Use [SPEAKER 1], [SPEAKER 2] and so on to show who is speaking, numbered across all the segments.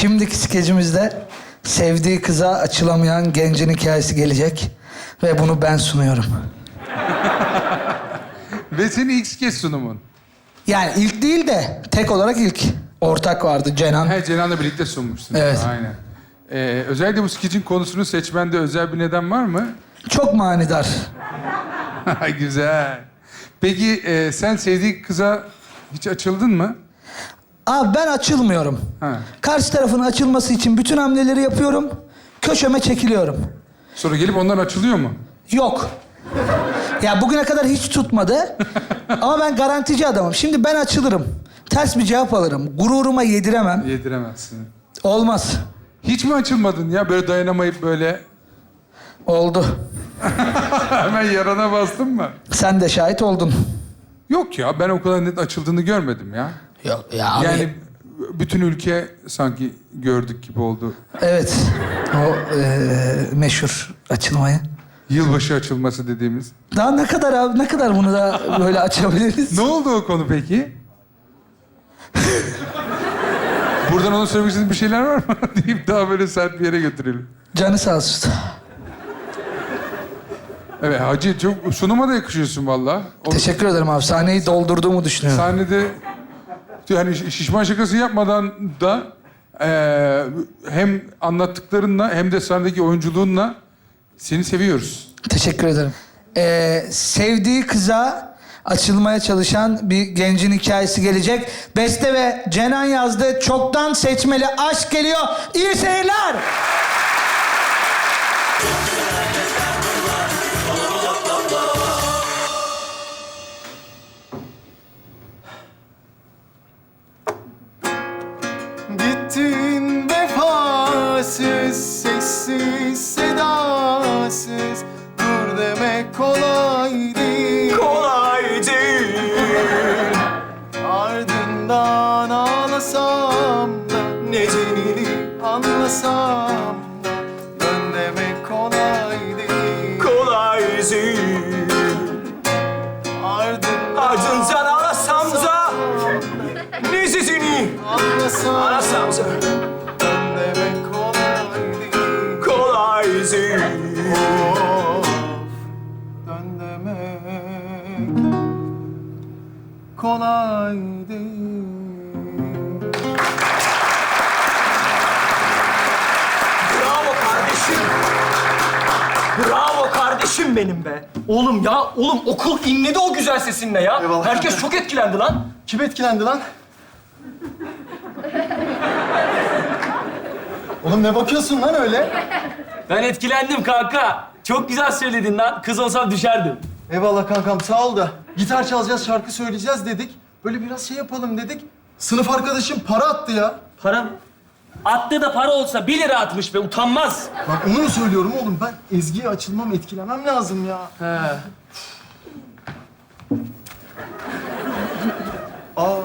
[SPEAKER 1] Şimdiki skecimizde sevdiği kıza açılamayan gencin hikayesi gelecek. Ve bunu ben sunuyorum.
[SPEAKER 2] Ve senin ilk kez sunumun.
[SPEAKER 1] Yani ilk değil de tek olarak ilk. Ortak vardı Cenan.
[SPEAKER 2] He, Cenan'la birlikte sunmuşsun.
[SPEAKER 1] Evet.
[SPEAKER 2] Aynen. Özellikle bu skecin konusunu seçmende özel bir neden var mı?
[SPEAKER 1] Çok manidar.
[SPEAKER 2] Güzel. Peki sen sevdiğin kıza hiç açıldın mı?
[SPEAKER 1] Abi ben açılmıyorum.
[SPEAKER 2] Ha.
[SPEAKER 1] Karşı tarafın açılması için bütün hamleleri yapıyorum. Köşeme çekiliyorum.
[SPEAKER 2] Sonra gelip ondan açılıyor mu?
[SPEAKER 1] Yok. Ya bugüne kadar hiç tutmadı. Ama ben garantici adamım. Şimdi ben açılırım. Ters bir cevap alırım. Gururuma yediremem.
[SPEAKER 2] Yediremezsin.
[SPEAKER 1] Olmaz.
[SPEAKER 2] Hiç mi açılmadın ya? Böyle dayanamayıp böyle
[SPEAKER 1] Oldu.
[SPEAKER 2] hemen yarana bastın mı?
[SPEAKER 1] Sen de şahit oldun.
[SPEAKER 2] Yok ya, ben o kadar net açıldığını görmedim ya.
[SPEAKER 1] Yok ya abi.
[SPEAKER 2] Yani bütün ülke sanki gördük gibi oldu.
[SPEAKER 1] Evet. O meşhur açılmayı.
[SPEAKER 2] Yılbaşı açılması dediğimiz.
[SPEAKER 1] Daha ne kadar abi, ne kadar bunu da böyle açabiliriz?
[SPEAKER 2] Ne oldu o konu peki? Buradan ona söylemek istediğin bir şeyler var mı? deyip daha böyle sert bir yere götürelim.
[SPEAKER 1] Canı sağ olsun.
[SPEAKER 2] Evet Hacı, çok sunuma da yakışıyorsun valla.
[SPEAKER 1] Teşekkür ederim abi. Sahneyi doldurduğumu düşünüyorum.
[SPEAKER 2] Sahnede yani şişman şakası yapmadan da hem anlattıklarınla hem de sahnedeki oyunculuğunla seni seviyoruz.
[SPEAKER 1] Teşekkür ederim. Sevdiği kıza açılmaya çalışan bir gencin hikayesi gelecek. Beste ve Cenan yazdı. Çoktan seçmeli aşk geliyor. İyi seyirler.
[SPEAKER 3] Gittin vefasız, sessiz, sedasız. Dur demek kolay değil.
[SPEAKER 4] Kolay değil.
[SPEAKER 3] Ardından ağlasam da, nedenini anlasam da. Dön demek kolay değil.
[SPEAKER 4] Kolay değil. Ardından ağlasam da nezizini
[SPEAKER 3] anlasam
[SPEAKER 4] da
[SPEAKER 3] dön demek kolay değil.
[SPEAKER 4] kolay değil.
[SPEAKER 3] Of, dön demek kolay değil.
[SPEAKER 4] Bravo kardeşim. Bravo kardeşim benim be. Oğlum ya, oğlum okul inledi o güzel sesinle ya.
[SPEAKER 3] Eyvallah.
[SPEAKER 4] Herkes çok etkilendi lan.
[SPEAKER 3] Kim etkilendi lan? Oğlum ne bakıyorsun lan öyle?
[SPEAKER 4] Ben etkilendim kanka. Çok güzel söyledin lan. Kız olsam düşerdim.
[SPEAKER 3] Eyvallah kankam sağ ol da. Gitar çalacağız, şarkı söyleyeceğiz dedik. Böyle biraz şey yapalım dedik. Sınıf arkadaşım para attı ya.
[SPEAKER 4] Para mı? Attığı da para olsa 1 lira atmış be, utanmaz.
[SPEAKER 3] Bak onu mu söylüyorum oğlum? Ben Ezgi'ye açılmam, etkilemem lazım ya.
[SPEAKER 4] He.
[SPEAKER 3] Aa,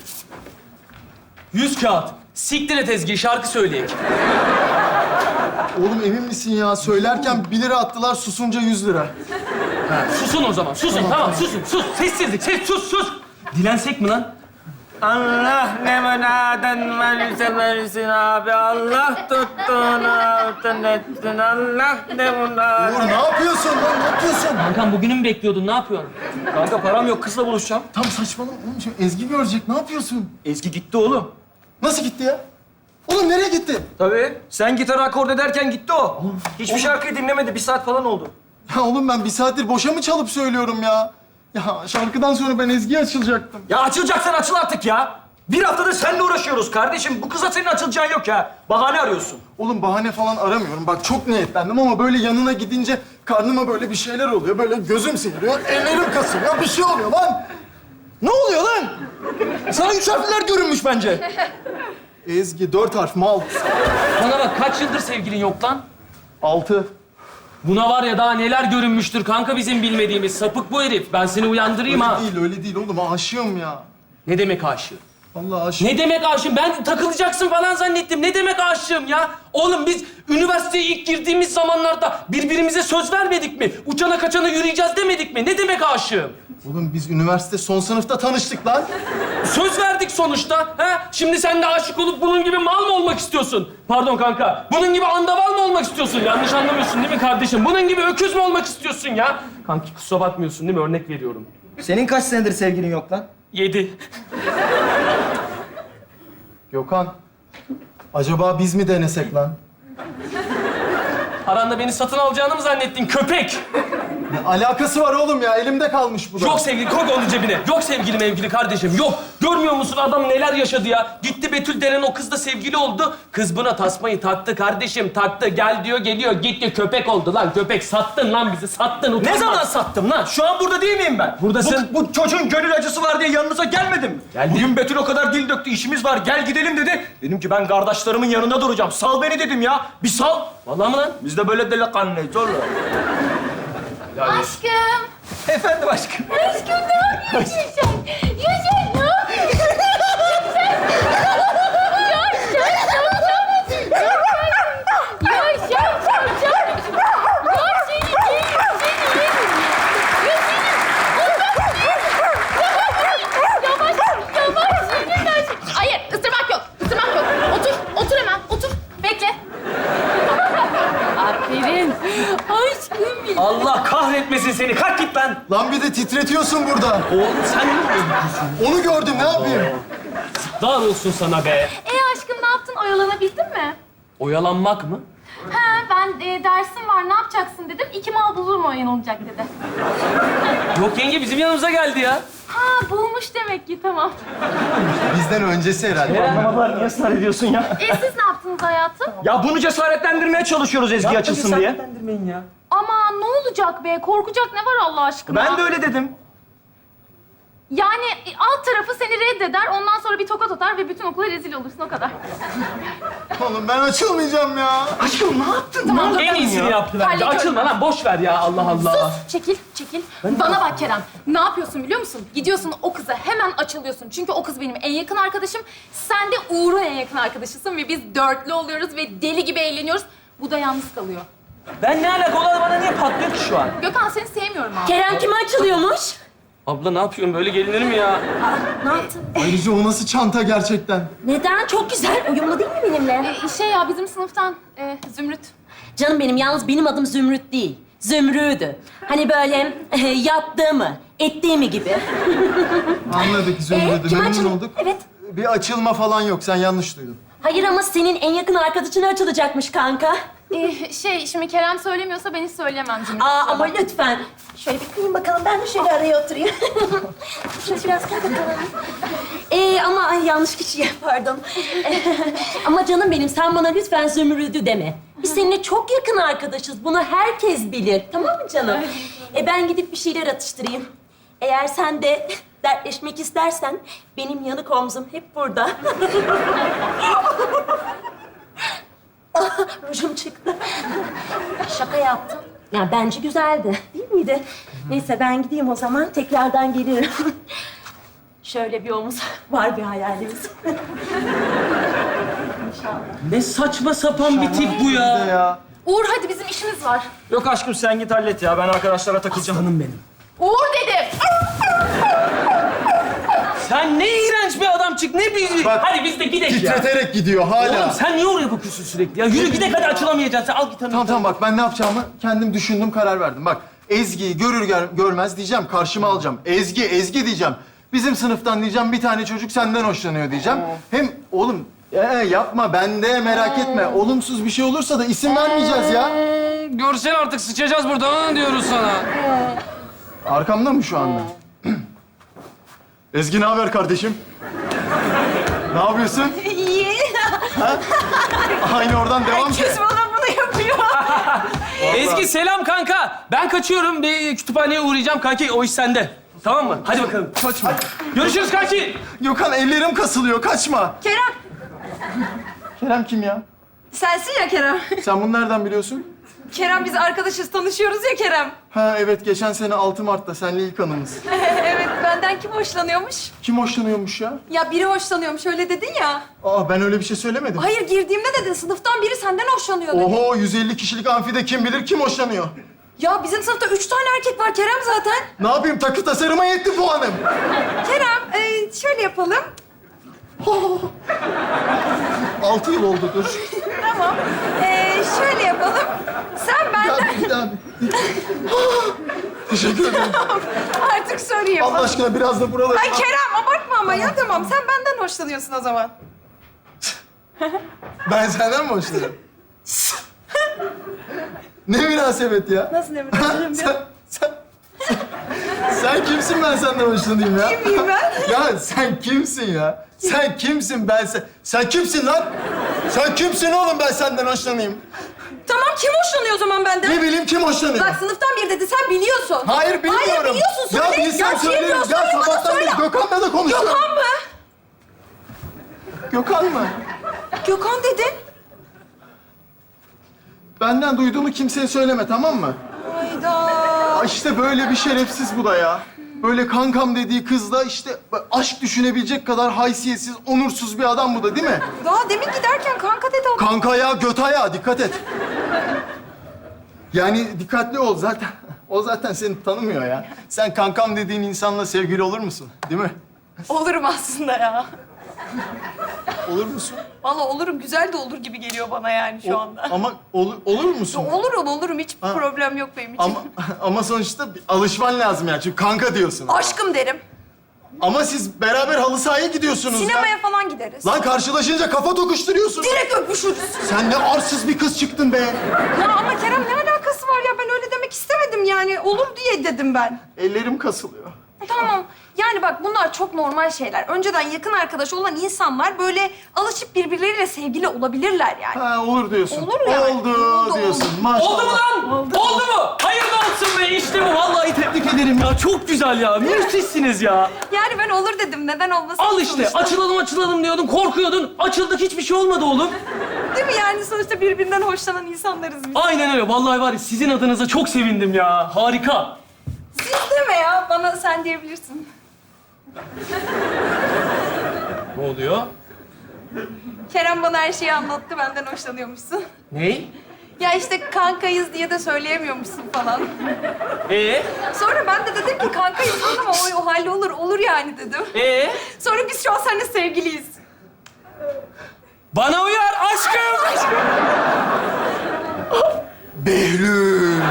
[SPEAKER 4] 100 kağıt. Siktir et Ezgi, şarkı söyleyek.
[SPEAKER 3] oğlum emin misin ya? Söylerken 1 lira attılar, susunca 100 lira.
[SPEAKER 4] Susun o zaman, susun. Tamam, susun. Sus, sessizlik, sus. Dilensek mi lan? Allah ne münaden versin abi. Allah tuttuğunu altın etsin. Allah ne münaden.
[SPEAKER 3] Uğur ne yapıyorsun lan? Ne yapıyorsun?
[SPEAKER 4] Kankam bugünü mü bekliyordun? Ne yapıyorsun? Kanka param yok, kızla buluşacağım.
[SPEAKER 3] Tam saçmalama oğlum. Şimdi Ezgi görecek. Ne yapıyorsun?
[SPEAKER 4] Ezgi gitti oğlum.
[SPEAKER 3] Nasıl gitti ya? Oğlum nereye gitti?
[SPEAKER 4] Tabii. Sen gitar akord ederken gitti o. Hiçbir şarkıyı dinlemedi. 1 saat falan oldu.
[SPEAKER 3] Ya oğlum ben 1 saattir boşa mı çalıp söylüyorum ya? Ya şarkıdan sonra ben Ezgi'ye açılacaktım.
[SPEAKER 4] Ya açılacaksan açıl artık ya. 1 haftadır seninle uğraşıyoruz kardeşim. Bu kıza senin açılacağın yok ya. Bahane arıyorsun.
[SPEAKER 3] Oğlum bahane falan aramıyorum. Bak çok niyetlendim ama böyle yanına gidince karnıma böyle bir şeyler oluyor. Böyle gözüm seyiriyor, ellerim kasılıyor. Bir şey oluyor lan.
[SPEAKER 4] Ne oluyor lan? Sana 3 harfler görünmüş bence.
[SPEAKER 3] Ezgi 4 harf mal.
[SPEAKER 4] Bana bak, kaç yıldır sevgilin yok lan?
[SPEAKER 3] 6.
[SPEAKER 4] Buna var ya daha neler görünmüştür kanka bizim bilmediğimiz. Sapık bu herif. Ben seni uyandırayım
[SPEAKER 3] Öyle
[SPEAKER 4] ha.
[SPEAKER 3] değil, öyle değil oğlum. Aşığım ya.
[SPEAKER 4] Ne demek aşığı?
[SPEAKER 3] Allah aşkına.
[SPEAKER 4] Ne demek aşığım? Ben takılacaksın falan zannettim. Ne demek aşığım ya? Oğlum biz üniversiteye ilk girdiğimiz zamanlarda birbirimize söz vermedik mi? Uçana kaçana yürüyeceğiz demedik mi? Ne demek aşığım?
[SPEAKER 3] Oğlum biz üniversite son sınıfta tanıştık lan.
[SPEAKER 4] Söz verdik sonuçta. Ha? Şimdi sen de aşık olup bunun gibi mal mı olmak istiyorsun? Pardon kanka. Bunun gibi andaval mı olmak istiyorsun? Yanlış anlamıyorsun değil mi kardeşim? Bunun gibi öküz mü olmak istiyorsun ya? Kanki kusura bakmıyorsun değil mi? Örnek veriyorum.
[SPEAKER 5] Senin kaç senedir sevgilin yok lan?
[SPEAKER 4] 7.
[SPEAKER 3] Gökhan. Acaba biz mi denesek lan?
[SPEAKER 4] Aranda beni satın alacağını mı zannettin köpek?
[SPEAKER 3] Ne alakası var oğlum ya? Elimde kalmış bu da.
[SPEAKER 4] Yok sevgili, koy onu cebine. Yok sevgili mevgili kardeşim, yok. Görmüyor musun adam neler yaşadı ya? Gitti Betül denen o kızla sevgili oldu. Kız buna tasmayı taktı kardeşim, taktı. Gel diyor, geliyor. Gitti köpek oldu lan. Köpek sattın lan bizi, sattın.
[SPEAKER 5] Ne
[SPEAKER 4] Utanmaz.
[SPEAKER 5] zaman sattım lan? Şu an burada değil miyim ben?
[SPEAKER 4] Buradasın.
[SPEAKER 5] Bu çocuğun gönül acısı var diye yanınıza gelmedim mi?
[SPEAKER 4] Geldim.
[SPEAKER 5] Bugün Betül o kadar dil döktü, işimiz var, gel gidelim dedi. Dedim ki ben kardeşlerimin yanında duracağım. Sal beni dedim ya. Bir sal.
[SPEAKER 4] Vallahi mı lan?
[SPEAKER 5] Biz de böyle delikanlıyız oğlum.
[SPEAKER 6] Aşkım.
[SPEAKER 5] Efendim aşkım.
[SPEAKER 6] Aşkım ne yapıyorsun sen? Ya sen ne yapıyorsun? Hayır, ısırmak yok. Isırmak yok. Otur hemen. Otur. Bekle. Aferin. Aşkım benim.
[SPEAKER 4] Allah kahretmesin seni. Kalk git lan.
[SPEAKER 3] Lan bir de titretiyorsun burada.
[SPEAKER 4] Oğlum sen ne yapıyorsun?
[SPEAKER 3] Onu gördüm, ne yapayım?
[SPEAKER 4] Dar olsun sana be.
[SPEAKER 6] Aşkım ne yaptın? Oyalanabildin mi?
[SPEAKER 4] Oyalanmak mı?
[SPEAKER 6] Ha ben dersim var ne yapacaksın dedim. 2 mal bulur mu oyalanacak dedi.
[SPEAKER 4] Yok yenge bizim yanımıza geldi ya.
[SPEAKER 6] Ha bulmuş demek ki tamam.
[SPEAKER 3] Bizden öncesi herhalde.
[SPEAKER 5] Anlamadılar, niye ısrar ediyorsun ya?
[SPEAKER 6] Siz ne yaptınız hayatım?
[SPEAKER 5] Ya bunu cesaretlendirmeye çalışıyoruz Ezgi açılsın diye.
[SPEAKER 4] Cesaretlendirmeyin ya.
[SPEAKER 6] Aman ne olacak be? Korkacak ne var Allah aşkına?
[SPEAKER 5] Ben de öyle dedim.
[SPEAKER 6] Yani alt tarafı seni reddeder, ondan sonra bir tokat atar ve bütün okula rezil olursun o kadar.
[SPEAKER 3] Oğlum ben açılmayacağım ya.
[SPEAKER 5] Aşkım ne yaptın?
[SPEAKER 6] Tamam,
[SPEAKER 4] En iyisini yaptı bence.
[SPEAKER 6] Hallediyorum.
[SPEAKER 4] Açılma lan boş ver ya Allah Allah.
[SPEAKER 6] Çekil. Bana bak Kerem. Ne yapıyorsun biliyor musun? Gidiyorsun o kıza hemen açılıyorsun. Çünkü o kız benim en yakın arkadaşım. Sen de Uğur'un en yakın arkadaşısın ve biz dörtlü oluyoruz ve deli gibi eğleniyoruz. Bu da yalnız kalıyor.
[SPEAKER 4] Ben ne alaka? Olan bana niye patlıyor ki şu an?
[SPEAKER 6] Gökhan seni sevmiyorum abi.
[SPEAKER 7] Kerem kime açılıyormuş?
[SPEAKER 4] Abla ne yapıyorsun? Böyle gelinir mi ya?
[SPEAKER 7] Ne yaptın?
[SPEAKER 3] Ayrıca o nasıl çanta gerçekten?
[SPEAKER 7] Neden? Çok güzel. Uyumlu değil mi benimle?
[SPEAKER 6] Ya bizim sınıftan Zümrüt.
[SPEAKER 7] Canım benim, yalnız benim adım Zümrüt değil. Zümrüdü. Hani böyle yaptığımı, ettiğimi gibi.
[SPEAKER 3] Anladık Zümrüt'ü,
[SPEAKER 7] kime
[SPEAKER 3] memnun
[SPEAKER 7] açıl-
[SPEAKER 3] olduk.
[SPEAKER 7] Evet.
[SPEAKER 3] Bir açılma falan yok, sen yanlış duydun.
[SPEAKER 7] Hayır ama senin en yakın arkadaşına açılacakmış kanka.
[SPEAKER 6] Şimdi Kerem söylemiyorsa ben hiç söyleyemem Zümrüt.
[SPEAKER 7] Aa ama lütfen. Şöyle bir kıyın bakalım, ben de şöyle araya oturayım. Şöyle biraz kay bakalım. Ama ay, yanlış kişiye pardon. Ama canım benim, sen bana lütfen Zümrüdü deme. Biz seninle çok yakın arkadaşız. Bunu herkes bilir. Tamam mı canım? Ben gidip bir şeyler atıştırayım. Eğer sen de dertleşmek istersen benim yanık omzum hep burada. Rujum çıktı. Şaka yaptım. Ya bence güzeldi, değil miydi? Neyse ben gideyim o zaman. Tekrardan gelirim. Şöyle bir omuz var bir hayalimiz.
[SPEAKER 4] Ne saçma sapan bir tip bu
[SPEAKER 3] Bir de
[SPEAKER 4] ya.
[SPEAKER 3] ya.
[SPEAKER 6] Uğur hadi bizim işimiz var.
[SPEAKER 5] Yok aşkım sen git hallet ya. Ben arkadaşlara takılacağım.
[SPEAKER 4] Canım benim.
[SPEAKER 6] Uğur dedim.
[SPEAKER 4] Sen ne iğrenç bir adam çık. Ne bir...
[SPEAKER 3] Bak,
[SPEAKER 4] Hadi biz de gidelim ya.
[SPEAKER 3] Titreterek gidiyor hala.
[SPEAKER 4] Oğlum sen niye oraya bakıyorsun sürekli ya? Yürü gidelim hadi açılamayacaksın. Sen al git hanım.
[SPEAKER 3] Tamam bak ben ne yapacağımı kendim düşündüm, karar verdim. Bak Ezgi'yi görür görmez diyeceğim, karşıma alacağım. Ezgi diyeceğim. Bizim sınıftan diyeceğim, bir tane çocuk senden hoşlanıyor diyeceğim. Hem oğlum yapma, ben de merak etme. Olumsuz bir şey olursa da isim vermeyeceğiz ya.
[SPEAKER 2] Görsen artık sıçacağız burada diyoruz sana.
[SPEAKER 3] Arkamda mı şu anda? Ezgi ne haber kardeşim? Ne yapıyorsun?
[SPEAKER 7] İyi.
[SPEAKER 3] Aynı oradan devam ki.
[SPEAKER 7] bana bunu yapıyor.
[SPEAKER 4] Ezgi selam kanka. Ben kaçıyorum. Bir kütüphaneye uğrayacağım kanki. O iş sende. Tamam mı? Hadi bakalım.
[SPEAKER 3] Kaçma.
[SPEAKER 4] Görüşürüz kanki.
[SPEAKER 3] Gökhan ellerim kasılıyor, kaçma.
[SPEAKER 7] Kerem,
[SPEAKER 3] Kerem kim ya?
[SPEAKER 7] sensin ya Kerem.
[SPEAKER 3] Sen bunu nereden biliyorsun?
[SPEAKER 8] Kerem biz arkadaşız, tanışıyoruz ya Kerem.
[SPEAKER 3] Ha evet, geçen sene 6 Mart'ta senle ilk anımız.
[SPEAKER 8] Evet, benden kim hoşlanıyormuş?
[SPEAKER 3] Kim hoşlanıyormuş ya?
[SPEAKER 8] Ya biri hoşlanıyormuş, öyle dedin ya.
[SPEAKER 3] Aa, ben öyle bir şey söylemedim.
[SPEAKER 8] Hayır, girdiğimde dedin, sınıftan biri senden hoşlanıyor dedin.
[SPEAKER 3] Oho, 150 kişilik amfide kim bilir kim hoşlanıyor?
[SPEAKER 8] Ya bizim sınıfta 3 tane erkek var Kerem zaten.
[SPEAKER 3] Ne yapayım, takı tasarıma yetti puanım.
[SPEAKER 8] Kerem, şöyle yapalım.
[SPEAKER 3] 6 yıl oldu, dur.
[SPEAKER 8] Tamam. Şöyle yapalım. Sen benden...
[SPEAKER 3] Bir daha. Teşekkür ederim.
[SPEAKER 8] Artık sorayım.
[SPEAKER 3] Allah aşkına biraz da buraları...
[SPEAKER 8] Ay Kerem, abartma ama ya, tamam. Sen benden hoşlanıyorsun o zaman.
[SPEAKER 3] Ben senden mi hoşlanıyorum? Ne münasebet ya?
[SPEAKER 8] Nasıl ne bileyim?
[SPEAKER 3] Sen kimsin, ben senden hoşlanayım ya?
[SPEAKER 8] Kim miyim ben?
[SPEAKER 3] Ya sen kimsin ya? Sen kimsin, sen kimsin lan? Sen kimsin oğlum, ben senden hoşlanayım?
[SPEAKER 8] Tamam, kim hoşlanıyor o zaman benden?
[SPEAKER 3] Ne bileyim kim hoşlanıyor?
[SPEAKER 8] Bak sınıftan biri dedi, sen biliyorsun.
[SPEAKER 3] Hayır bilmiyorum.
[SPEAKER 8] Hayır biliyorsun, söyle.
[SPEAKER 3] Ya bilsem
[SPEAKER 8] kim
[SPEAKER 3] söylerim.
[SPEAKER 8] biliyor?
[SPEAKER 3] Ya
[SPEAKER 8] Söyle bana,
[SPEAKER 3] sabahtan
[SPEAKER 8] söyle.
[SPEAKER 3] beri Gökhan'la da konuşuyorum.
[SPEAKER 8] Gökhan mı?
[SPEAKER 3] Gökhan mı?
[SPEAKER 8] Gökhan dedin.
[SPEAKER 3] Benden duyduğunu kimseye söyleme, tamam mı?
[SPEAKER 8] Hayda.
[SPEAKER 3] İşte böyle bir şerefsiz bu da ya. Böyle kankam dediği kızla işte aşk düşünebilecek kadar haysiyetsiz, onursuz bir adam bu da, değil mi?
[SPEAKER 8] Daha demin giderken kanka dedi o.
[SPEAKER 3] Kanka ya, göt ayağı, dikkat et. Yani dikkatli ol zaten. O zaten seni tanımıyor ya. Sen kankam dediğin insanla sevgili olur musun? Değil mi?
[SPEAKER 8] Olurum aslında ya.
[SPEAKER 3] Olur musun?
[SPEAKER 8] Vallahi olurum, güzel de olur gibi geliyor bana yani şu anda.
[SPEAKER 3] Ama olur musun?
[SPEAKER 8] Olurum. Hiç problem yok benim için.
[SPEAKER 3] Ama sonuçta bir alışman lazım yani. Çünkü kanka diyorsun.
[SPEAKER 8] Aşkım derim.
[SPEAKER 3] Ama siz beraber halı sahaya gidiyorsunuz
[SPEAKER 8] Sinemaya
[SPEAKER 3] ya.
[SPEAKER 8] falan gideriz.
[SPEAKER 3] Lan karşılaşınca kafa tokuşturuyorsun.
[SPEAKER 8] Direkt öpüşürüz.
[SPEAKER 3] Sen ne arsız bir kız çıktın be.
[SPEAKER 8] Ya ama Kerem ne alakası var ya? Ben öyle demek istemedim yani. Olur diye dedim ben.
[SPEAKER 3] Ellerim kasılıyor.
[SPEAKER 8] Tamam. Yani bak bunlar çok normal şeyler. Önceden yakın arkadaş olan insanlar böyle alışıp birbirleriyle sevgili olabilirler yani.
[SPEAKER 3] Ha, olur diyorsun.
[SPEAKER 8] Olur yani.
[SPEAKER 3] Oldu diyorsun. Maşallah.
[SPEAKER 4] Oldu mu lan? Oldu mu? Hayırlı olsun be, işte bu. Vallahi tebrik ederim ya. Çok güzel ya. Müthişsiniz ya.
[SPEAKER 8] Yani ben olur dedim. Neden olmasın?
[SPEAKER 4] Al işte.
[SPEAKER 8] sonuçta?
[SPEAKER 4] Açılalım diyordun. Korkuyordun. Açıldık, hiçbir şey olmadı oğlum.
[SPEAKER 8] Değil mi yani? Sonuçta birbirinden hoşlanan insanlarız biz.
[SPEAKER 4] Aynen öyle. Vallahi var ya, sizin adınıza çok sevindim ya. Harika.
[SPEAKER 8] Siz deme ya. Bana sen diyebilirsin.
[SPEAKER 4] Ne oluyor?
[SPEAKER 8] Kerem bana her şeyi anlattı. Benden hoşlanıyormuşsun.
[SPEAKER 4] Ney?
[SPEAKER 8] Ya işte kankayız diye de söyleyemiyormuşsun falan.
[SPEAKER 4] Sonra
[SPEAKER 8] Ben de dedim ki kankayız ama o halde olur yani dedim. Sonra biz şu an seninle sevgiliyiz.
[SPEAKER 4] Bana uyar aşkım.
[SPEAKER 3] Behlül.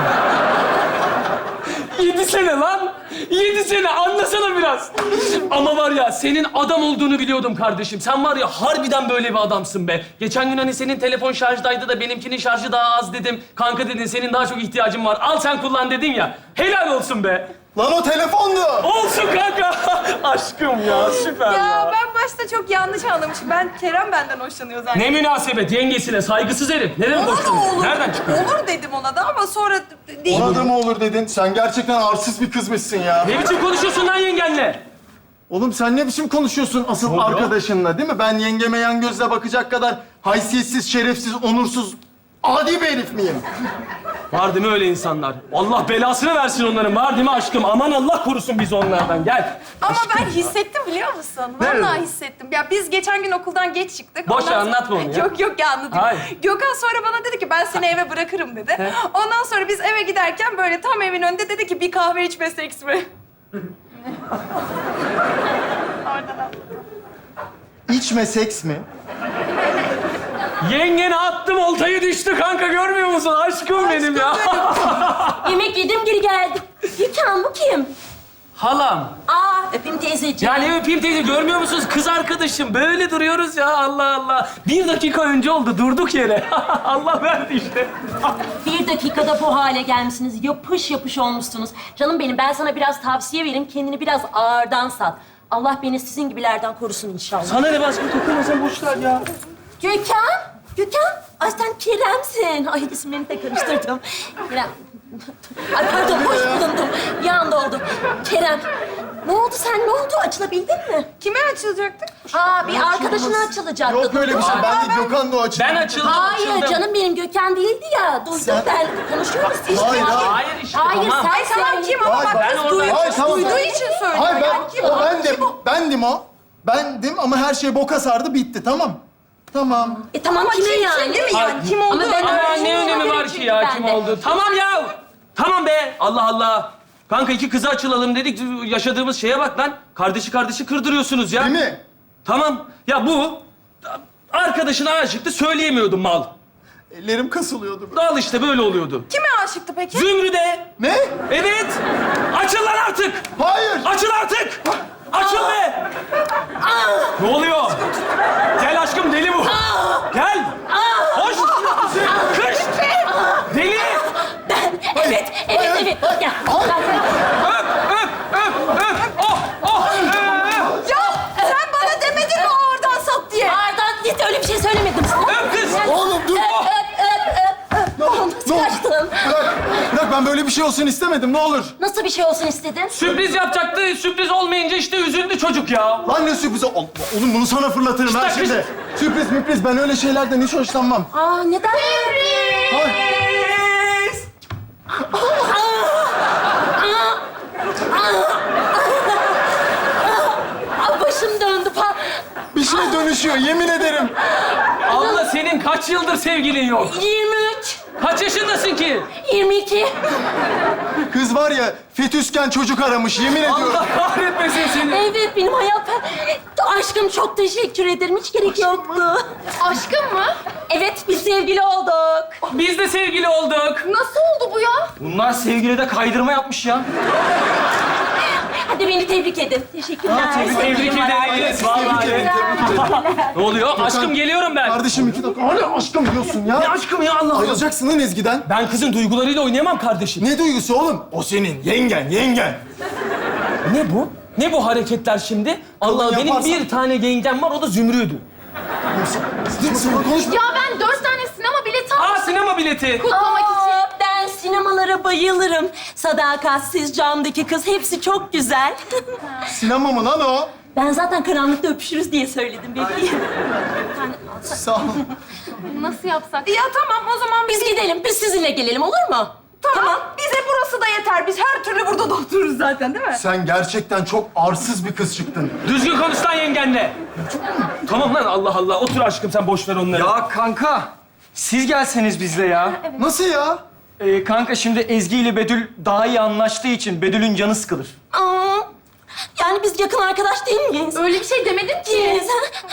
[SPEAKER 4] 7 sene lan. 7 sene, anlasana biraz. Ama var ya, senin adam olduğunu biliyordum kardeşim. Sen var ya, harbiden böyle bir adamsın be. Geçen gün hani senin telefon şarjdaydı da benimkinin şarjı daha az dedim. Kanka dedin, senin daha çok ihtiyacın var. Al sen kullan dedin ya. Helal olsun be.
[SPEAKER 3] Lan o telefondu.
[SPEAKER 4] Olsun kanka. Aşkım ya, süper
[SPEAKER 8] Ya ben başta çok yanlış anlamışım. Ben Kerem benden hoşlanıyor zannettim.
[SPEAKER 4] Ne münasebet, yengesine saygısız herif. Ne demek
[SPEAKER 8] Ona da
[SPEAKER 4] hoşlanıyor?
[SPEAKER 8] olur.
[SPEAKER 4] Nereden çıktı?
[SPEAKER 8] Olur dedim ona da ama sonra değil.
[SPEAKER 3] Ona da mı olur dedin? Sen gerçekten arsız bir kızmışsın ya.
[SPEAKER 4] Ne biçim konuşuyorsun lan yengenle?
[SPEAKER 3] Oğlum sen ne biçim konuşuyorsun asıl
[SPEAKER 4] oluyor?
[SPEAKER 3] arkadaşınla, değil mi? Ben yengeme yan gözle bakacak kadar haysiyetsiz, şerefsiz, onursuz, adi bir herif miyim?
[SPEAKER 4] Var değil mi öyle insanlar? Allah belasını versin onların. Var değil mi aşkım? Aman Allah korusun bizi onlardan. Gel.
[SPEAKER 8] Ama ben hissettim biliyor musun?
[SPEAKER 3] Nerede?
[SPEAKER 8] Vallahi hissettim. Ya biz geçen gün okuldan geç çıktık.
[SPEAKER 4] Boş
[SPEAKER 8] Ondan
[SPEAKER 4] ver,
[SPEAKER 8] sonra-
[SPEAKER 4] anlatma onu ya.
[SPEAKER 8] Yok ya anlatayım.
[SPEAKER 4] Hayır.
[SPEAKER 8] Gökhan sonra bana dedi ki ben seni eve bırakırım dedi. Ondan sonra biz eve giderken böyle tam evin önünde dedi ki bir kahve içmesek mi?
[SPEAKER 3] İçme seks mi?
[SPEAKER 4] Yengene attım, oltayı düştü kanka, görmüyor musun? Aşkım benim ya.
[SPEAKER 7] Yemek yedim geri geldim. Gökhan bu kim?
[SPEAKER 4] Halam.
[SPEAKER 7] Aa öpeyim teyzeciğim.
[SPEAKER 4] Ya ne öpeyim teyze, görmüyor musunuz? Kız arkadaşım. Böyle duruyoruz ya, Allah Allah. 1 dakika önce oldu, durduk yere. Allah verdi işte.
[SPEAKER 7] 1 dakikada bu hale gelmişsiniz. Yapış yapış olmuşsunuz. Canım benim, ben sana biraz tavsiye vereyim. Kendini biraz ağırdan sat. Allah beni sizin gibilerden korusun inşallah.
[SPEAKER 4] Sana ne başka, dokunma sen, boş ver ya.
[SPEAKER 7] Gökhan. Ay sen Kerem'sin. Ay isimlerini de karıştırdım. Kerem. Ay pardon, boş bulundum. Bir anda oldu. Kerem, Ne oldu sen? Ne oldu? Açılabildin mi?
[SPEAKER 8] Kime açılacaktı?
[SPEAKER 7] Aa, bir arkadaşına açılacaktı.
[SPEAKER 3] Yok öyle bir şey. Ben de Gökhan da o açıdan.
[SPEAKER 4] Ben açıldım,
[SPEAKER 7] Hayır
[SPEAKER 4] açıldım.
[SPEAKER 7] canım benim Gökhan değildi ya. Duydum
[SPEAKER 3] Sen-
[SPEAKER 7] ben. Konuşuyoruz işte.
[SPEAKER 3] Hayır, hayır.
[SPEAKER 4] Hayır işte,
[SPEAKER 7] Hayır
[SPEAKER 4] tamam.
[SPEAKER 7] sen
[SPEAKER 8] Ay tamam kim ama
[SPEAKER 3] Hayır,
[SPEAKER 8] bak
[SPEAKER 4] ben
[SPEAKER 8] kız
[SPEAKER 4] orada-
[SPEAKER 8] duydu,
[SPEAKER 3] Hayır, tamam.
[SPEAKER 8] duyduğu için söylüyor.
[SPEAKER 3] Hayır
[SPEAKER 8] Yani kim
[SPEAKER 3] o bendim. Bendim o. Bendim ama her şey boka sardı bitti tamam. Tamam.
[SPEAKER 7] Tamam
[SPEAKER 8] Ama
[SPEAKER 7] kime
[SPEAKER 8] kim
[SPEAKER 7] yani?
[SPEAKER 8] değil mi yani? Kim olduğu
[SPEAKER 7] Ama ben
[SPEAKER 8] önemli.
[SPEAKER 4] Ama ne önemi var ki ya kim oldu? Tamam ya. Tamam be. Allah Allah. Kanka iki kıza açılalım dedik. Yaşadığımız şeye bak lan. Kardeşi kırdırıyorsunuz ya.
[SPEAKER 3] Değil mi?
[SPEAKER 4] Tamam. Ya bu arkadaşına aşıktı söyleyemiyordum mal.
[SPEAKER 3] Ellerim kasılıyordu.
[SPEAKER 4] Al işte böyle oluyordu.
[SPEAKER 8] Kime aşıktı peki?
[SPEAKER 4] Zümrüde.
[SPEAKER 3] Ne?
[SPEAKER 4] Evet. Açıl lan artık.
[SPEAKER 3] Hayır.
[SPEAKER 4] Açıl artık. Açıl be. Ne oluyor? Gel aşkım deli bu. Gel. Hoş. Kış. Deli.
[SPEAKER 7] Evet. Gel.
[SPEAKER 4] Öp. Oh.
[SPEAKER 8] Ya sen bana demedin mi oradan sat diye?
[SPEAKER 7] Ardan git öyle bir şey söylemedim sana.
[SPEAKER 4] Öp kız.
[SPEAKER 3] Oğlum dur.
[SPEAKER 7] Öp. Nasıl kaçtın?
[SPEAKER 3] Bırak ben böyle bir şey olsun istemedim ne olur.
[SPEAKER 7] Nasıl bir şey olsun istedin?
[SPEAKER 4] Sürpriz yapacaktı. Sürpriz olmayınca işte üzüldü çocuk ya.
[SPEAKER 3] Lan ne sürprizi? Oğlum bunu sana fırlatırım ben
[SPEAKER 4] İşte
[SPEAKER 3] şimdi. Sürpriz müpriz ben öyle şeylerden hiç hoşlanmam.
[SPEAKER 7] Aa neden? Aa, başım döndü.
[SPEAKER 3] Bir şey dönüşüyor yemin ederim.
[SPEAKER 4] Abla senin kaç yıldır sevgilin yok?
[SPEAKER 7] 23,
[SPEAKER 4] Kaç yaşındasın ki?
[SPEAKER 7] 22.
[SPEAKER 3] Kız var ya fetüsken çocuk aramış yemin ediyorum.
[SPEAKER 4] Allah kahretmesin seni.
[SPEAKER 7] Evet benim hayatım. Aşkım çok teşekkür ederim. Hiç gerek yoktu.
[SPEAKER 6] Aşkım mı?
[SPEAKER 7] Evet biz sevgili olduk.
[SPEAKER 4] Biz de sevgili olduk.
[SPEAKER 6] Nasıl oldu bu ya?
[SPEAKER 5] Bunlar sevgilide kaydırma yapmış ya.
[SPEAKER 7] Hadi beni tebrik edin. Teşekkürler.
[SPEAKER 4] Tebrik ederiz. Vallahi. Ne oluyor? Aşkım geliyorum ben.
[SPEAKER 3] Kardeşim 2 dakika. Hala aşkım diyorsun ya.
[SPEAKER 4] Ne aşkım ya Allah Allah.
[SPEAKER 3] Ayrılacaksın lan Ezgi'den.
[SPEAKER 4] Ben kızın duygularıyla oynayamam kardeşim.
[SPEAKER 3] Ne duygusu oğlum? O senin yengen.
[SPEAKER 4] Ne bu? Ne bu hareketler şimdi? Allah benim
[SPEAKER 3] yaparsan-
[SPEAKER 4] bir tane yengem var o da Zümrüdü.
[SPEAKER 3] Saçma konuşma.
[SPEAKER 6] Ya ben 4 tane sinema bileti aldım
[SPEAKER 4] Aa sinema bileti.
[SPEAKER 6] kutlamak için.
[SPEAKER 7] Aa, ben sinemalara bayılırım. Sadakatsiz, camdaki kız hepsi çok güzel.
[SPEAKER 3] Sinema mı lan o?
[SPEAKER 7] Ben zaten karanlıkta öpüşürüz diye söyledim bebeğim.
[SPEAKER 3] Sağ ol.
[SPEAKER 6] Nasıl yapsak?
[SPEAKER 8] Ya tamam o zaman
[SPEAKER 7] Biz gidelim, biz sizinle gelelim olur mu?
[SPEAKER 8] Tamam. Bize burası da yeter. Biz her türlü burada da otururuz zaten değil mi?
[SPEAKER 3] Sen gerçekten çok arsız bir kız çıktın.
[SPEAKER 4] Düzgün konuş lan yengenle. Tamam lan Allah Allah. Otur aşkım sen boş ver onları.
[SPEAKER 5] Ya kanka, siz gelseniz bizle ya.
[SPEAKER 3] Nasıl ya?
[SPEAKER 5] Kanka şimdi Ezgi ile Bedül daha iyi anlaştığı için Bedül'ün canı sıkılır.
[SPEAKER 7] Aa, yani biz yakın arkadaş değil miyiz?
[SPEAKER 6] Öyle bir şey demedim ki.
[SPEAKER 7] Değiliz.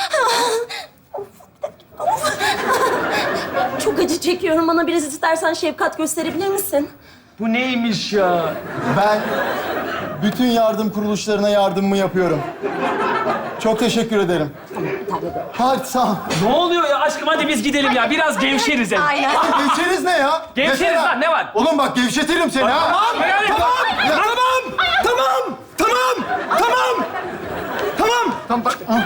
[SPEAKER 7] Çok acı çekiyorum. Bana biraz istersen şefkat gösterebilir misin?
[SPEAKER 4] Bu neymiş ya?
[SPEAKER 3] Ben bütün yardım kuruluşlarına yardımımı yapıyorum. Çok teşekkür ederim. Hadi sağ ol.
[SPEAKER 4] Ne oluyor ya aşkım hadi biz gidelim ya. Biraz gevşeriz hem.
[SPEAKER 8] Aynen.
[SPEAKER 3] Lan gevşeriz ne ya?
[SPEAKER 4] Gevşeriz
[SPEAKER 3] Mesela-
[SPEAKER 4] lan, ne var?
[SPEAKER 3] Oğlum bak gevşetirim seni ha.
[SPEAKER 4] Tamam.
[SPEAKER 3] Ya- Tamam bak. Ah.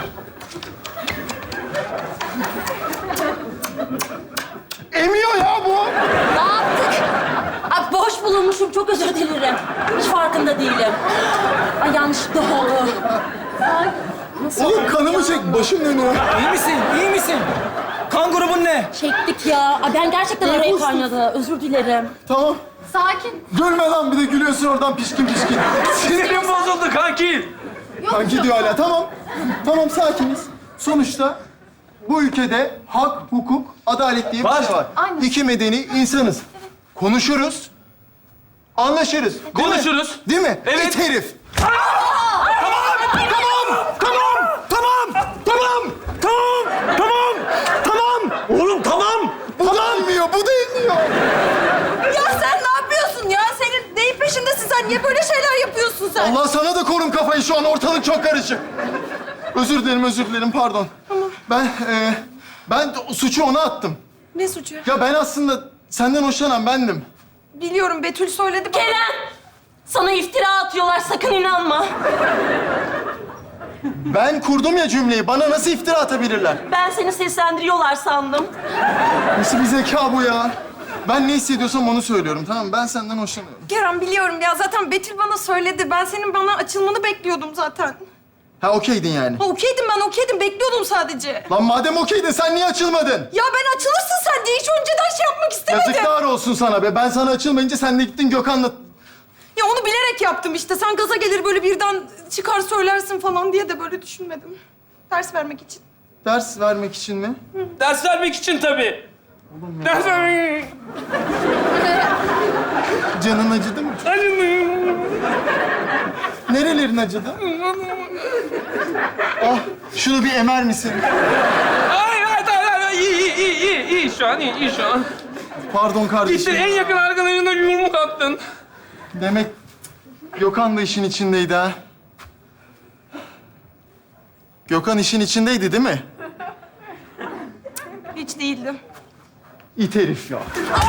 [SPEAKER 3] Emiyor ya bu.
[SPEAKER 7] Ne yaptık? Ay, boş bulunmuşum. Çok özür dilerim. Hiç farkında değilim. Ay yanlışlıkla oldu. Ay, nasıl
[SPEAKER 3] Oğlum
[SPEAKER 7] oldu
[SPEAKER 3] kanımı
[SPEAKER 7] ya?
[SPEAKER 3] çek. Başım dönüyor.
[SPEAKER 5] İyi misin? İyi misin? Kan grubun ne?
[SPEAKER 7] Çektik ya. Ay, ben gerçekten araya kaynadı. Özür dilerim.
[SPEAKER 3] Tamam.
[SPEAKER 6] Sakin.
[SPEAKER 3] Gülme lan bir de gülüyorsun oradan pişkin.
[SPEAKER 4] Sinirim bozuldu kanki.
[SPEAKER 3] Kanki diyor hala. Tamam. Tamam sakiniz. Sonuçta bu ülkede hak, hukuk, adalet diye bir şey var.
[SPEAKER 6] Aynen.
[SPEAKER 3] İki medeni insanız. Konuşuruz. Anlaşırız. Değil mi?
[SPEAKER 4] Konuşuruz.
[SPEAKER 3] Değil mi?
[SPEAKER 4] Evet.
[SPEAKER 3] İt herif.
[SPEAKER 5] Oğlum tamam.
[SPEAKER 3] Bu da inmiyor, bu da inmiyor.
[SPEAKER 8] Ya sen ne yapıyorsun ya? Senin neyin peşindesin sen? Niye böyle şeyler yapıyorsun sen?
[SPEAKER 3] Allah sana da korun kafayı şu an ortalık çok karışık. Özür dilerim pardon. Ben suçu ona attım.
[SPEAKER 8] Ne suçu?
[SPEAKER 3] Ya ben aslında senden hoşlanan bendim.
[SPEAKER 8] Biliyorum Betül söyledi bana.
[SPEAKER 7] Kerem! Sana iftira atıyorlar. Sakın inanma.
[SPEAKER 3] Ben kurdum ya cümleyi. Bana nasıl iftira atabilirler?
[SPEAKER 7] Ben seni seslendiriyorlar sandım.
[SPEAKER 3] Nasıl bir zeka bu ya? Ben ne hissediyorsam onu söylüyorum, tamam mı? Ben senden hoşlanıyorum.
[SPEAKER 8] Kerem biliyorum ya. Zaten Betül bana söyledi. Ben senin bana açılmanı bekliyordum zaten.
[SPEAKER 3] Ha okeydin yani.
[SPEAKER 8] Ha, okeydim ben, okeydim. Bekliyordum sadece.
[SPEAKER 3] Lan madem okeydin sen niye açılmadın?
[SPEAKER 8] Ya ben açılırsın sen diye hiç önceden şey yapmak istemedim.
[SPEAKER 3] Yazıklar olsun sana be. Ben sana açılmayınca sen de gittin Gökhan'la...
[SPEAKER 8] Ya onu bilerek yaptım işte. Sen gaza gelir böyle birden çıkar söylersin falan diye de böyle düşünmedim. Ders vermek için.
[SPEAKER 3] Ders vermek için mi?
[SPEAKER 4] Ders vermek için tabii. Ders vermek
[SPEAKER 3] Canın acıdı mı? Nerelerin acıdı? Ah, şunu bir emer misin?
[SPEAKER 4] Hayır, iyi şu an, iyi şu an.
[SPEAKER 3] Pardon
[SPEAKER 4] Gittin
[SPEAKER 3] kardeşim.
[SPEAKER 4] en yakın arkadaşına yumruk attın.
[SPEAKER 3] Demek Gökhan da işin içindeydi ha. Gökhan işin içindeydi değil mi?
[SPEAKER 8] Hiç değildim.
[SPEAKER 3] İt herif ya.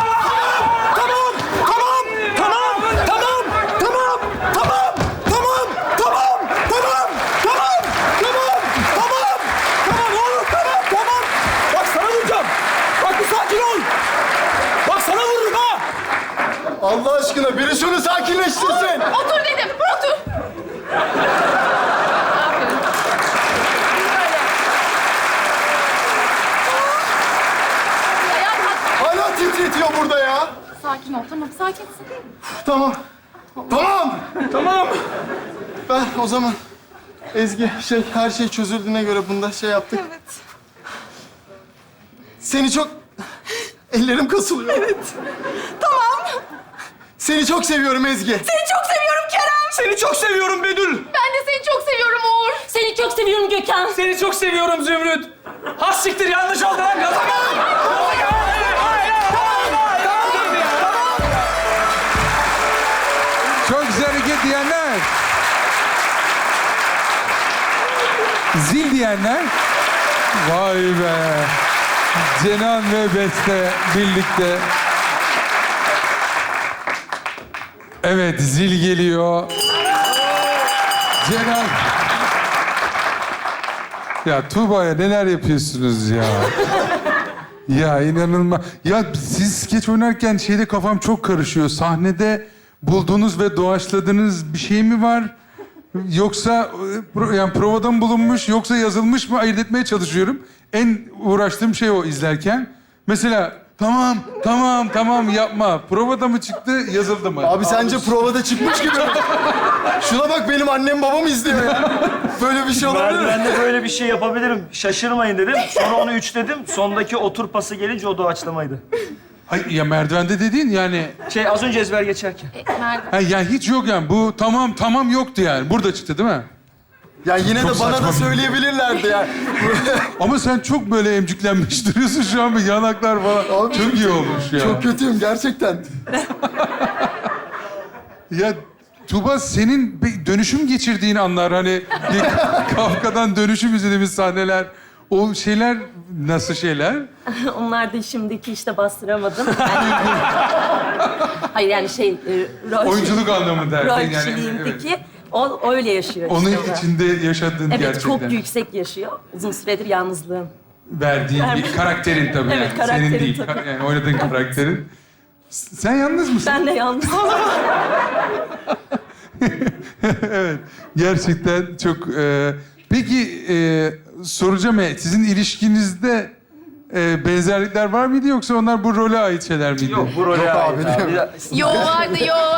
[SPEAKER 5] Bak sana vuracağım. Bak bir sakin ol. Bak sana vururum ha.
[SPEAKER 3] Allah aşkına biri şunu sakinleştirsin.
[SPEAKER 6] Otur dedim, otur.
[SPEAKER 3] Hala titretiyor burada ya.
[SPEAKER 6] Sakin ol, tamam, sakinsin.
[SPEAKER 3] Tamam. Tamam.
[SPEAKER 4] Tamam.
[SPEAKER 3] Ben o zaman Ezgi her şey çözüldüğüne göre bunda şey yaptık.
[SPEAKER 8] Evet.
[SPEAKER 3] Seni çok... Ellerim kasılıyor. Evet.
[SPEAKER 8] Tamam.
[SPEAKER 3] Seni çok seviyorum Ezgi.
[SPEAKER 8] Seni çok seviyorum Kerem.
[SPEAKER 5] Seni çok seviyorum Bedül.
[SPEAKER 6] Ben de seni çok seviyorum Uğur.
[SPEAKER 7] Seni çok seviyorum Gökhan.
[SPEAKER 4] Seni çok seviyorum Zümrüt. Has siktir yanlış oldu lan. Gaza
[SPEAKER 2] Çok güzel hareket diyenler. Zil diyenler. Vay be. Cenan ve Beste birlikte. Evet, zil geliyor. Cenan. Ya Tuğba'ya neler yapıyorsunuz ya? Ya inanılmaz. Ya siz skeç oynarken şeyde kafam çok karışıyor. Sahnede bulduğunuz ve doğaçladığınız bir şey mi var? Yoksa yani provada mı bulunmuş yoksa yazılmış mı ayırt etmeye çalışıyorum. En uğraştığım şey o izlerken. Mesela tamam yapma. Provada mı çıktı yazıldı mı?
[SPEAKER 3] Abi sence provada çıkmış gibi mi? Şuna bak benim annem babam izliyor ya. Böyle bir şey olabilir mi?
[SPEAKER 5] Ben de böyle bir şey yapabilirim. Şaşırmayın dedim. Sonra onu 3 dedim. Sondaki otur pası gelince o doğaçlamaydı.
[SPEAKER 2] Ay, ya merdivende dediğin yani...
[SPEAKER 5] Az önce ezber geçerken.
[SPEAKER 2] Ha, yani hiç yok yani. Bu tamam yoktu yani. Burada çıktı değil mi?
[SPEAKER 3] Ya yine
[SPEAKER 2] Çok
[SPEAKER 3] de bana
[SPEAKER 2] saçma
[SPEAKER 3] da
[SPEAKER 2] bir-
[SPEAKER 3] söyleyebilirlerdi ya.
[SPEAKER 2] Ama sen çok böyle emcüklenmiş duruyorsun şu an. Bir yanaklar falan.
[SPEAKER 3] Abi,
[SPEAKER 2] çok iyi olmuş ya.
[SPEAKER 3] Çok kötüyüm gerçekten.
[SPEAKER 2] Ya Tuğba senin bir dönüşüm geçirdiğin anlar hani bir Kafka'dan dönüşüm izlediğimiz sahneler. O şeyler nasıl şeyler?
[SPEAKER 7] Onlar da şimdiki işte bastıramadım. Yani... Hayır yani rol,
[SPEAKER 2] Oyunculuk anlamında.
[SPEAKER 7] rol
[SPEAKER 2] Yani,
[SPEAKER 7] kişiliğimdeki
[SPEAKER 2] evet.
[SPEAKER 7] o öyle yaşıyor
[SPEAKER 2] Onun
[SPEAKER 7] işte. o.
[SPEAKER 2] içinde yaşadığın
[SPEAKER 7] Evet
[SPEAKER 2] gerçekten.
[SPEAKER 7] çok yüksek yaşıyor. Uzun süredir yalnızlığım.
[SPEAKER 2] Verdiğin bir karakterin tabii.
[SPEAKER 7] Evet,
[SPEAKER 2] yani. Senin
[SPEAKER 7] karakterim
[SPEAKER 2] değil.
[SPEAKER 7] tabii.
[SPEAKER 2] Yani oynadığın karakterin. Sen yalnız mısın?
[SPEAKER 7] Ben de yalnız.
[SPEAKER 2] Evet. Gerçekten çok... Peki soracağım sizin ilişkinizde benzerlikler var mıydı yoksa onlar bu role ait şeyler miydi?
[SPEAKER 5] Yok bu role ait
[SPEAKER 3] abi,
[SPEAKER 5] abi.
[SPEAKER 6] Yo vardı.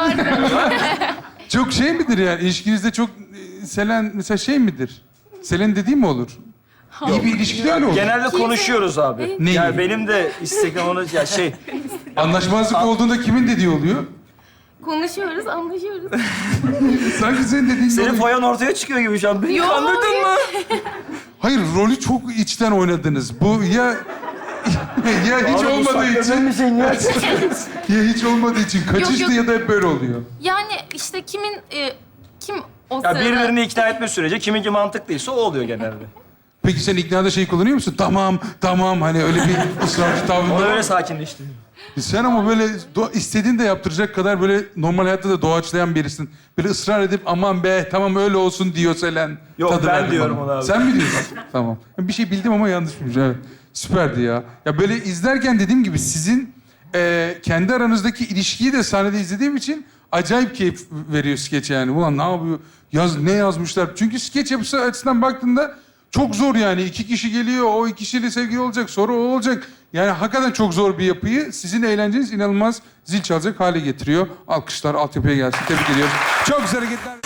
[SPEAKER 2] Çok şey midir yani ilişkinizde çok Selen mesela şey midir? Selen dediğim mi olur? İyi bir ilişkide öyle olur.
[SPEAKER 5] Genelde konuşuyoruz abi.
[SPEAKER 2] Neyi?
[SPEAKER 5] Yani benim de isteklim onu
[SPEAKER 2] Anlaşmazlık olduğunda kimin dediği oluyor?
[SPEAKER 6] Konuşuyoruz, anlaşıyoruz.
[SPEAKER 2] Sanki senin dediğin
[SPEAKER 5] senin
[SPEAKER 2] oluyor.
[SPEAKER 5] foyan ortaya çıkıyor gibi şu an. Beni
[SPEAKER 6] Yo,
[SPEAKER 5] kandırdın mı?
[SPEAKER 2] Hayır rolü çok içten oynadınız. Bu ya hiç
[SPEAKER 5] Abi bu
[SPEAKER 2] olmadığı
[SPEAKER 5] sakladığın
[SPEAKER 2] için
[SPEAKER 5] bir şey niye?
[SPEAKER 2] ya hiç olmadığı için kaçıştı
[SPEAKER 6] Yok.
[SPEAKER 2] ya da hep böyle oluyor.
[SPEAKER 6] Yani işte kim o
[SPEAKER 5] Ya
[SPEAKER 6] sırada...
[SPEAKER 5] birbirini ikna etme sürece kiminki mantıklıysa o oluyor genelde.
[SPEAKER 2] Peki sen iknada şey kullanıyor musun? Tamam hani öyle bir ısrarcı tavrında
[SPEAKER 5] Onu
[SPEAKER 2] var.
[SPEAKER 5] öyle sakinleştiriyor.
[SPEAKER 2] Sen ama böyle istediğin de yaptıracak kadar böyle normal hayatta da doğaçlayan birisin. Böyle ısrar edip aman be tamam öyle olsun diyor Selen.
[SPEAKER 5] Yok,
[SPEAKER 2] Tadı
[SPEAKER 5] ben
[SPEAKER 2] verdim
[SPEAKER 5] diyorum
[SPEAKER 2] bana.
[SPEAKER 5] ona abi.
[SPEAKER 2] Sen mi diyorsun? Tamam. Bir şey bildim ama yanlışmış evet. Süperdi ya. Ya böyle izlerken dediğim gibi sizin kendi aranızdaki ilişkiyi de sahnede izlediğim için acayip keyif veriyor skeç yani. Ulan ne yapıyor? Ne yazmışlar? Çünkü skeç yapısı açısından baktığında çok zor yani. 2 kişi geliyor, o 2 kişiyle sevgili olacak, sonra o olacak. Yani hakikaten çok zor bir yapıyı sizin eğlenceniz inanılmaz zil çalacak hale getiriyor. Alkışlar altyapıya gelsin. Tebrik ediyorum. Çok güzel hareketler.